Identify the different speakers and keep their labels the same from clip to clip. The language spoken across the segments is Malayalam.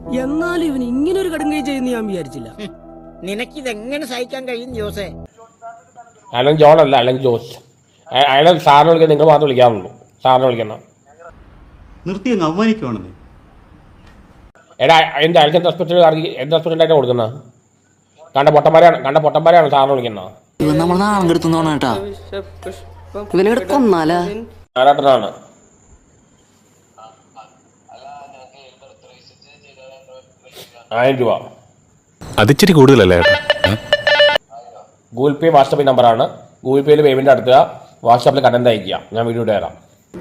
Speaker 1: എന്നാലും ഇവൻ ഇങ്ങനെ ഒരു കടുങ്കൈ ചെയ്യുന്ന ഞാൻ വിചാരിച്ചില്ല.
Speaker 2: നിനക്കിതെങ്ങനെ സഹിക്കാൻ കഴിയും ജോസേ?
Speaker 3: അലൻ ജോൺ അല്ല, അലൻ ജോസ്. അയാളെ സാറിനെ വിളിക്കാൻ നിങ്ങൾ മാത്രം വിളിക്കാറുള്ളൂ. സാറിനെ വിളിക്കണം.
Speaker 4: നിർത്തി അങ്ങ് അവമാനിക്കുവാണെന്ന്.
Speaker 3: എടാ എൻ്റെ അയൽക്ക് എന്ത് റെസ്പെക്റ്റായിട്ട് കൊടുക്കുന്നത്? കണ്ട പൊട്ടന്മാരെയാണ് സാറിനെ വിളിക്കുന്നത്.
Speaker 5: നമ്മൾ നാളെ കെടുത്തോണ കേട്ടാ, ഇവനെ കൊന്നാലാ.
Speaker 3: ആരാട്ടനാണ്. ₹1000.
Speaker 6: അതിച്ചിരി കൂടുതലല്ലേ?
Speaker 3: ഗൂഗിൾ പേ വാട്സപ്പ് നമ്പറാണ്. ഗൂഗിൾ പേയിൽ പേയ്മെന്റ് നടത്തുക, വാട്സാപ്പിൽ കണ്ടന്റ് അയക്കുക. ഞാൻ വീഡിയോ ഇട്ട് തരാം.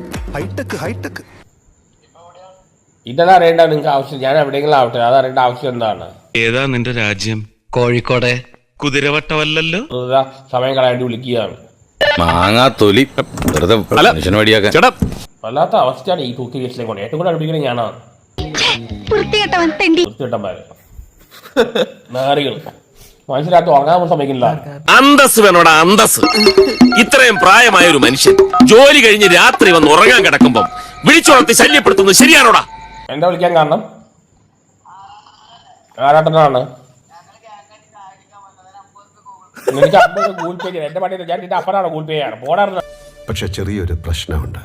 Speaker 3: ഇതെല്ലാം അറിയേണ്ട നിങ്ങൾക്ക് ആവശ്യം. ഞാൻ എവിടെയെങ്കിലും ആവട്ടെ, അത് അറിയേണ്ട ആവശ്യം എന്താണ്?
Speaker 6: ഏതാ നിന്റെ രാജ്യം?
Speaker 5: കോഴിക്കോടെ.
Speaker 6: കുതിരവട്ടമല്ലല്ലോ.
Speaker 3: സമയം കളയാണ്ട് വിളിക്കുകയാണ്.
Speaker 7: മാങ്ങാത്തൊലി വെറുതെ
Speaker 3: വല്ലാത്ത അവസ്ഥയാണ് ഈ തൂക്കി കേസിലേക്ക് കൊണ്ട്. ഏറ്റവും കൂടുതൽ അടുപ്പിക്കുന്നത് ഞാനാണ്. വൃത്തികെട്ടന്മാര്, നാറികൾ, മനസ്സിലാക്കി ഉറങ്ങാൻ സമ്മതിക്കില്ല.
Speaker 8: അന്തസ് വേണോടാ, അന്തസ്. ഇത്രയും പ്രായമായ ഒരു മനുഷ്യൻ ജോലി കഴിഞ്ഞ് രാത്രി വന്ന് ഉറങ്ങാൻ കിടക്കുമ്പം വിളിച്ചുണർത്തി ശല്യപ്പെടുത്തുന്നത് ശരിയാണോടാ?
Speaker 3: എന്താ വിളിക്കാൻ കാരണം? ആരാട്ടനാണ്. എനിക്ക് 50 ഗൂഗിൾ പേ ചെയ്യാം. എന്റെ പണി ഞാൻ നിന്റെ അപ്പനാണ് ഗൂഗിൾ പേ ചെയ്യാണ്. പോടാറുണ്ട്.
Speaker 9: പക്ഷെ ചെറിയൊരു പ്രശ്നമുണ്ട്.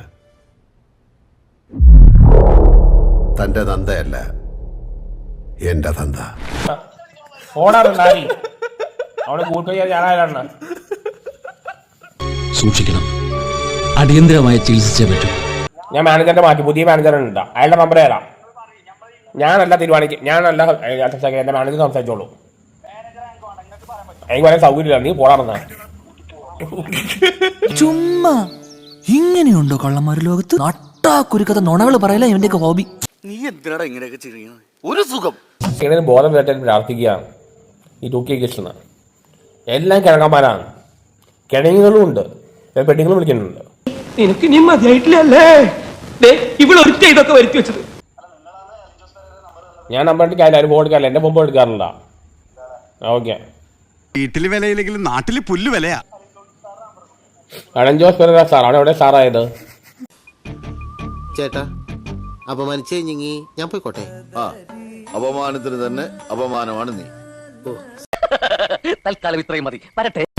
Speaker 9: തന്റെ തന്തയല്ല, എന്റെ തന്ത.
Speaker 3: പോടാറുണ്ടായി അവിടെ ഗൂഗിൾ പേ ചെയ്യാൻ ഞാനാരാണ്.
Speaker 10: സൂക്ഷിക്കണം, അടിയന്തരമായി ചികിത്സിച്ചേ പറ്റൂ.
Speaker 3: ഞാൻ മാനേജറിന്റെ മാറ്റി പുതിയ മാനേജറുണ്ട്. അയാളുടെ നമ്പർ തരാം. ഞാനല്ല തീരുമാനിക്കും, ഞാനല്ല എന്റെ മാനേജർ സംസാരിച്ചോളൂ. എനിക്ക് പറയാൻ സൗകര്യമില്ല. നീ പോടാറുന്ന.
Speaker 10: ചുമ്മാ ഇങ്ങനെയുണ്ടോ കള്ളന്മാര് ലോകത്ത്? നട്ടാ കുരുക്കഥ നുണകൾ പറയല ഇവന്റെയൊക്കെ ഹോബി.
Speaker 7: നീ എന്തിനാടാ ഇങ്ങനെയൊക്കെ ചെയ്യുന്നത്? ഒരു സുഖം.
Speaker 3: ഇതിന് ബോധം വരട്ടെ പ്രാർത്ഥിക്കുകയാണ്. ഈ തൂക്കിയ കേസിന് എല്ലാം കിഴങ്ങന്മാരാണ്. കിഴങ്ങുകളും ഉണ്ട്, പെട്ടിങ്ങളും വിളിക്കുന്നുണ്ട്.
Speaker 1: നിനക്ക് നീ മതിയായിട്ടില്ലല്ലേ ഇവളൊരുത്ത ഇതൊക്കെ വരുത്തി വെച്ചത്.
Speaker 3: ഞാൻ നമ്പർ എടുക്കാറില്ല, അതിന് ഫോൺ എടുക്കാറില്ല. എന്റെ മുമ്പ് എടുക്കാറില്ല. ഓക്കെ.
Speaker 6: വീട്ടില് വിലയില്ലെങ്കിലും നാട്ടില് പുല്ല് വിലയാ.
Speaker 3: അലൻ ജോസ് പെരേര സാർ അവിടെ എവിടെ സാറായത്?
Speaker 11: ചേട്ടാ, അപമാനിച്ചേ ഞാൻ പോയിക്കോട്ടെ.
Speaker 7: അപമാനത്തിന് തന്നെ അപമാനമാണ് നീ.
Speaker 5: തൽക്കാലം ഇത്രയും മതി. വരട്ടെ.